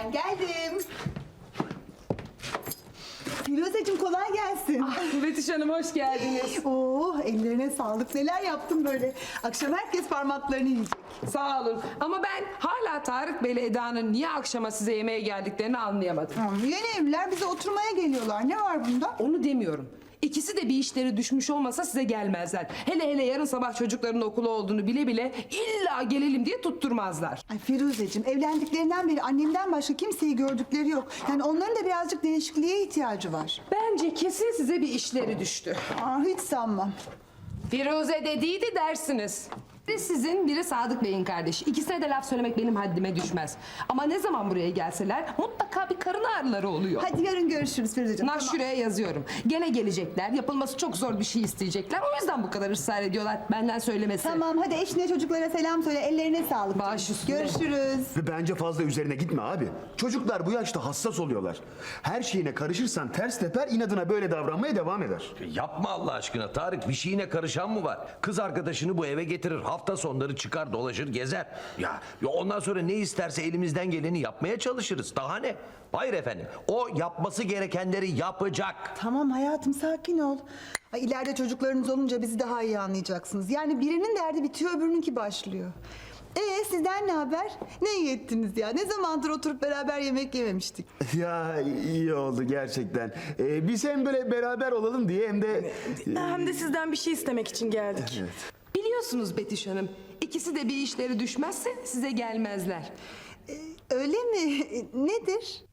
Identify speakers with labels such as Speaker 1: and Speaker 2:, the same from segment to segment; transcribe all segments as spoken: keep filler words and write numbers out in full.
Speaker 1: Ben geldim. Firuzeciğim kolay gelsin.
Speaker 2: Betüş Hanım hoş geldiniz.
Speaker 1: Oo, ellerine sağlık. Neler yaptın böyle? Akşam herkes parmaklarını yiyecek.
Speaker 2: Sağ olun. Ama ben hala Tarık Bey'le Eda'nın niye akşama size yemeğe geldiklerini anlayamadım.
Speaker 1: Tamam, yeni evliler bize oturmaya geliyorlar. Ne var bunda?
Speaker 2: Onu demiyorum. İkisi de bir işleri düşmüş olmasa size gelmezler. Hele hele yarın sabah çocukların okulu olduğunu bile bile illa gelelim diye tutturmazlar.
Speaker 1: Ay Firuzeciğim, evlendiklerinden beri annemden başka kimseyi gördükleri yok. Yani onların da birazcık değişikliğe ihtiyacı var.
Speaker 2: Bence kesin size bir işleri düştü.
Speaker 1: Aa, hiç sanmam.
Speaker 2: Firuze dediydi dersiniz. Biri sizin, biri Sadık Bey'in kardeşi. İkisine de laf söylemek benim haddime düşmez. Ama ne zaman buraya gelseler mutlaka bir karın ağrıları oluyor.
Speaker 1: Hadi yarın görüşürüz Firuzeciğim.
Speaker 2: Naş şuraya yazıyorum. Gene gelecekler. Yapılması çok zor bir şey isteyecekler. O yüzden bu kadar ısrar ediyorlar. Benden söylemesi.
Speaker 1: Tamam, hadi eşine çocuklara selam söyle. Ellerine sağlık.
Speaker 2: Baş üstüne.
Speaker 1: Görüşürüz.
Speaker 3: Ve bence fazla üzerine gitme abi. Çocuklar bu yaşta hassas oluyorlar. Her şeyine karışırsan ters teper, inadına böyle davranmaya devam eder.
Speaker 4: Yapma Allah aşkına Tarık, bir şeyine karışan mı var? Kız arkadaşını bu eve getirir, hafta sonları çıkar dolaşır gezer. Ya, ya ondan sonra ne isterse elimizden geleni yapmaya çalışırız. Daha ne? Hayır efendim, o yapması gerekenleri yapacak.
Speaker 1: Tamam hayatım, sakin ol. Ay, ileride çocuklarınız olunca bizi daha iyi anlayacaksınız. Yani birinin derdi bitiyor, öbürününki başlıyor. Ee sizden ne haber? Ne iyi ettiniz ya? Ne zamandır oturup beraber yemek yememiştik.
Speaker 3: Ya iyi oldu gerçekten. Ee, biz hem böyle beraber olalım diye hem de...
Speaker 5: Hem de sizden bir şey istemek için geldik.
Speaker 2: Biliyorsunuz Betüş Hanım. İkisi de bir işleri düşmezse size gelmezler.
Speaker 1: Öyle mi? Nedir?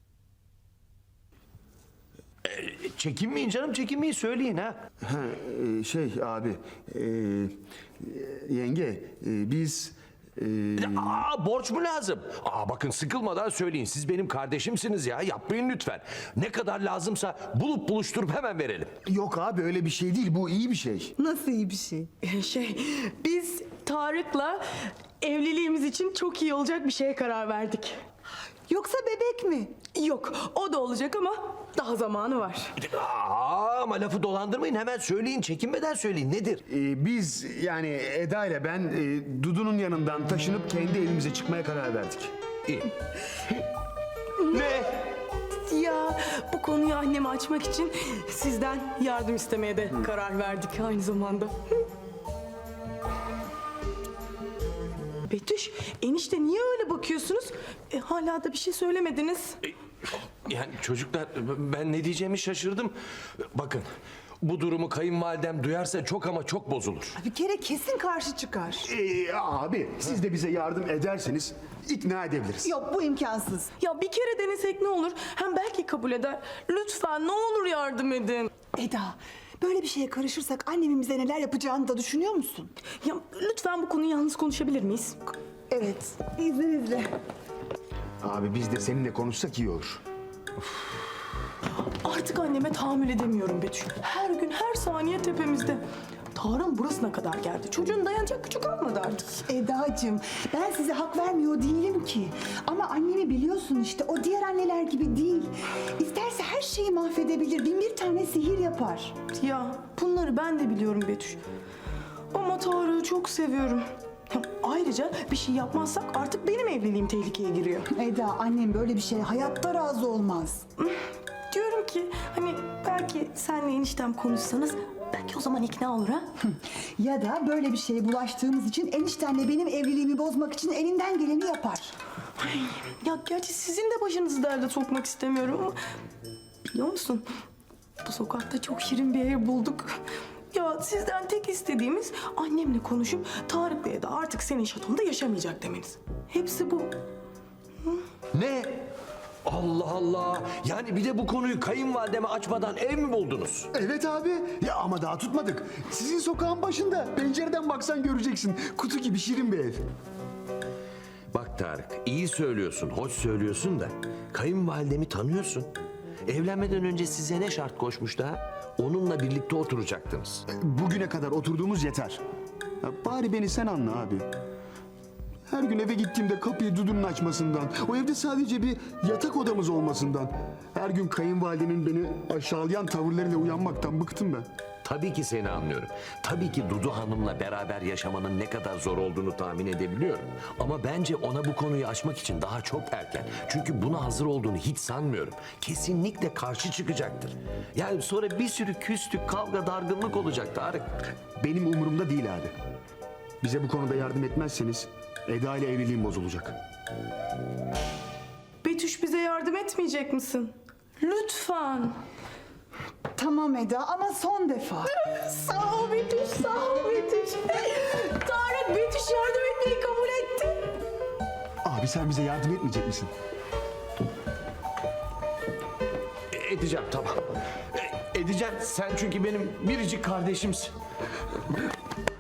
Speaker 4: Çekinmeyin canım, çekinmeyin, söyleyin ha.
Speaker 3: Ha, e, şey abi, e, yenge e, biz... e,
Speaker 4: Aa, borç mu lazım? Aa, bakın sıkılmadan söyleyin, siz benim kardeşimsiniz ya, yapmayın lütfen. Ne kadar lazımsa bulup buluşturup hemen verelim.
Speaker 3: Yok abi öyle bir şey değil, bu iyi bir şey.
Speaker 1: Nasıl iyi bir şey?
Speaker 5: Şey, biz Tarık'la evliliğimiz için çok iyi olacak bir şeye karar verdik.
Speaker 1: Yoksa bebek mi?
Speaker 5: Yok, o da olacak ama daha zamanı var.
Speaker 4: Aa, ama lafı dolandırmayın, hemen söyleyin, çekinmeden söyleyin, nedir?
Speaker 3: E, biz yani Eda ile ben e, Dudu'nun yanından taşınıp kendi evimize çıkmaya karar verdik.
Speaker 4: İyi. Ne?
Speaker 5: Ya bu konuyu anneme açmak için sizden yardım istemeye de karar verdik aynı zamanda. Betüş, enişte niye öyle bakıyorsunuz? E, hala da bir şey söylemediniz.
Speaker 4: Yani çocuklar, ben ne diyeceğimi şaşırdım. Bakın, bu durumu kayınvalidem duyarsa çok ama çok bozulur.
Speaker 1: Bir kere kesin karşı çıkar.
Speaker 3: E, abi siz de bize yardım ederseniz ikna edebiliriz.
Speaker 1: Yok, bu imkansız.
Speaker 5: Ya bir kere denesek ne olur? Hem belki kabul eder. Lütfen ne olur yardım edin.
Speaker 1: Eda, böyle bir şeye karışırsak annemin bize neler yapacağını da düşünüyor musun?
Speaker 5: Ya lütfen bu konuyu yalnız konuşabilir miyiz?
Speaker 1: Evet. İzninizle.
Speaker 3: Abi biz de seninle konuşsak iyi olur.
Speaker 5: Artık anneme tahammül edemiyorum Betüş. Her gün her saniye tepemizde. Tarık'ın burasına kadar geldi. Çocuğun dayanacak gücü kalmadı artık.
Speaker 1: Edacığım, ben size hak vermiyor değilim ki. Ama annemi biliyorsun işte, o diğer anneler gibi değil. İsterse her şeyi mahvedebilir, bin bir tane sihir yapar.
Speaker 5: Ya bunları ben de biliyorum Betüş. Ama Tarık'ı çok seviyorum. Ya, ayrıca bir şey yapmazsak artık benim evliliğim tehlikeye giriyor.
Speaker 1: Eda, annem böyle bir şeye hayatta razı olmaz.
Speaker 5: Diyorum ki hani belki senle eniştem konuşsanız belki o zaman ikna olur ha?
Speaker 1: Ya da böyle bir şeye bulaştığımız için eniştenle benim evliliğimi bozmak için elinden geleni yapar.
Speaker 5: Ay, ya gerçi sizin de başınızı derde sokmak istemiyorum ama biliyor musun? Bu sokakta çok şirin bir ev bulduk. Ya sizden tek istediğimiz annemle konuşup Tarık Bey'e de artık senin şatonda yaşamayacak demeniz. Hepsi bu.
Speaker 4: Ne? Allah Allah! Yani bir de bu konuyu kayınvalideme açmadan ev mi buldunuz?
Speaker 3: Evet abi. Ya ama daha tutmadık. Sizin sokağın başında. Pencereden baksan göreceksin. Kutu gibi şirin bir ev.
Speaker 4: Bak Tarık, iyi söylüyorsun, hoş söylüyorsun da kayınvalidemi tanıyorsun. Evlenmeden önce size ne şart koşmuş daha? Onunla birlikte oturacaktınız.
Speaker 3: Bugüne kadar oturduğumuz yeter. Ya bari beni sen anla abi. Her gün eve gittiğimde kapıyı Dudu'nun açmasından, o evde sadece bir yatak odamız olmasından, her gün kayınvalidemin beni aşağılayan tavırlarıyla uyanmaktan bıktım ben.
Speaker 4: tabii ki seni anlıyorum. Tabii ki Dudu Hanım'la beraber yaşamanın ne kadar zor olduğunu tahmin edebiliyorum. Ama bence ona bu konuyu açmak için daha çok erken. Çünkü buna hazır olduğunu hiç sanmıyorum. Kesinlikle karşı çıkacaktır. Yani sonra bir sürü küslük, kavga, dargınlık olacak Tarık.
Speaker 3: Benim umurumda değil abi. Bize bu konuda yardım etmezseniz Eda ile evliliğim bozulacak.
Speaker 5: Betüş bize yardım etmeyecek misin? Lütfen.
Speaker 1: Tamam Eda ama son defa.
Speaker 5: Sağ ol Betüş, sağ ol Betüş. Tarık Betüş yardım etmeyi kabul etti.
Speaker 3: Abi sen bize yardım etmeyecek misin?
Speaker 4: Edeceğim tamam. E, Edeceğim. Sen çünkü benim biricik kardeşimsin.